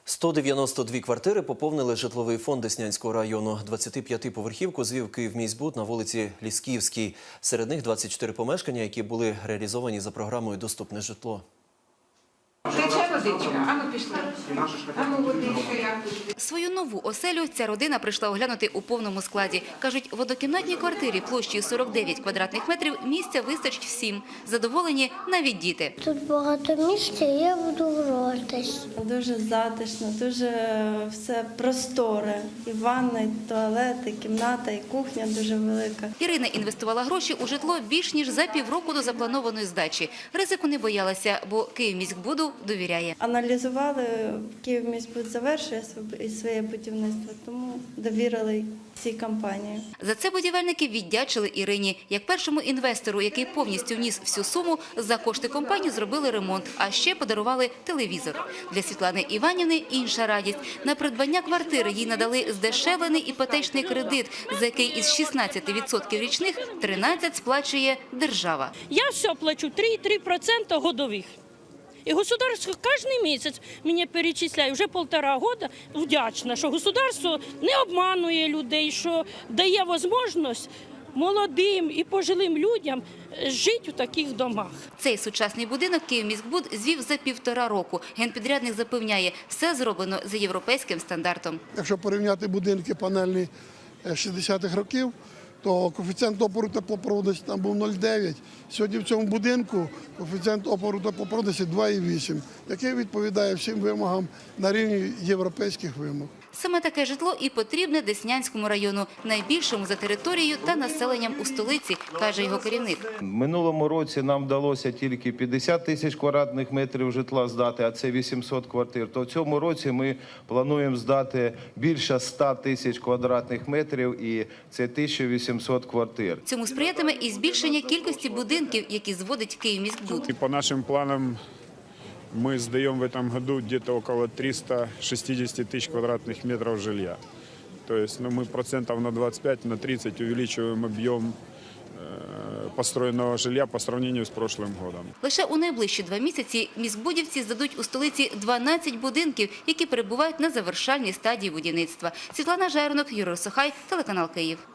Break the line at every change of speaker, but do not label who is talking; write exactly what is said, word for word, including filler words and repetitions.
сто дев'яносто дві квартири поповнили житловий фонд Деснянського району. двадцятип'ятиповерхівку звів Київміськбуд на вулиці Лісківській. Серед них двадцять чотири помешкання, які були реалізовані за програмою «Доступне житло».
Тече водичка, ану пішли. Ану водичка, як тут.
Свою нову оселю ця родина прийшла оглянути у повному складі. Кажуть, в однокімнатній квартирі площею сорок дев'ять квадратних метрів місця вистачить всім. Задоволені навіть діти.
Тут багато місця, і я буду гратись.
Дуже затишно, дуже все просторе. І ванна, і туалет, і кімната, і кухня дуже велика.
Ірина інвестувала гроші у житло більш ніж за півроку до запланованої здачі. Ризику не боялася, бо Київміськбуду довіряє.
Аналізували, Київміськбуд завершує своє будівництво, тому довірили цій компанії.
За це будівельники віддячили Ірині. Як першому інвестору, який повністю вніс всю суму, за кошти компанії зробили ремонт, а ще подарували телевізор. Для Світлани Іванівни інша радість. На придбання квартири їй надали здешевлений іпотечний кредит, за який із шістнадцяти відсотків річних тринадцять сплачує держава.
Я все плачу три і три десятих відсотка годових. І государство кожен місяць мені перечисляє, вже півтора року вдячна, що государство не обманує людей, що дає можливість молодим і пожилим людям жити у таких домах.
Цей сучасний будинок Київміськбуд звів за півтора року. Генпідрядник запевняє, все зроблено за європейським стандартом.
Якщо порівняти будинки панельні шістдесятих років, то коефіцієнт опору теплопроводності там був нуль цілих дев'ять. Сьогодні в цьому будинку коефіцієнт опору теплопроводності два цілих вісім, який відповідає всім вимогам на рівні європейських вимог.
Саме таке житло і потрібне Деснянському району, найбільшому за територією та населенням у столиці, каже його керівник.
Минулому році нам вдалося тільки п'ятдесят тисяч квадратних метрів житла здати, а це вісімсот квартир. То в цьому році ми плануємо здати більше ста тисяч квадратних метрів, і це тисяча вісімсот квартир.
Цьому сприятиме і збільшення кількості будинків, які зводить Київміськбуд.
И по нашим планам мы сдаем в этом году где-то около триста шестьдесят тысяч квадратных метров жилья. То есть ну, мы процентов на двадцать пять, на тридцать увеличиваем объем э, построенного жилья по сравнению с прошлым годом.
Лише у найближчі два місяці міськбудівці здадуть у столиці дванадцять будинків, які перебувають на завершальній стадії будівництва. Світлана Жернок, Юрій Сухай, телеканал Київ.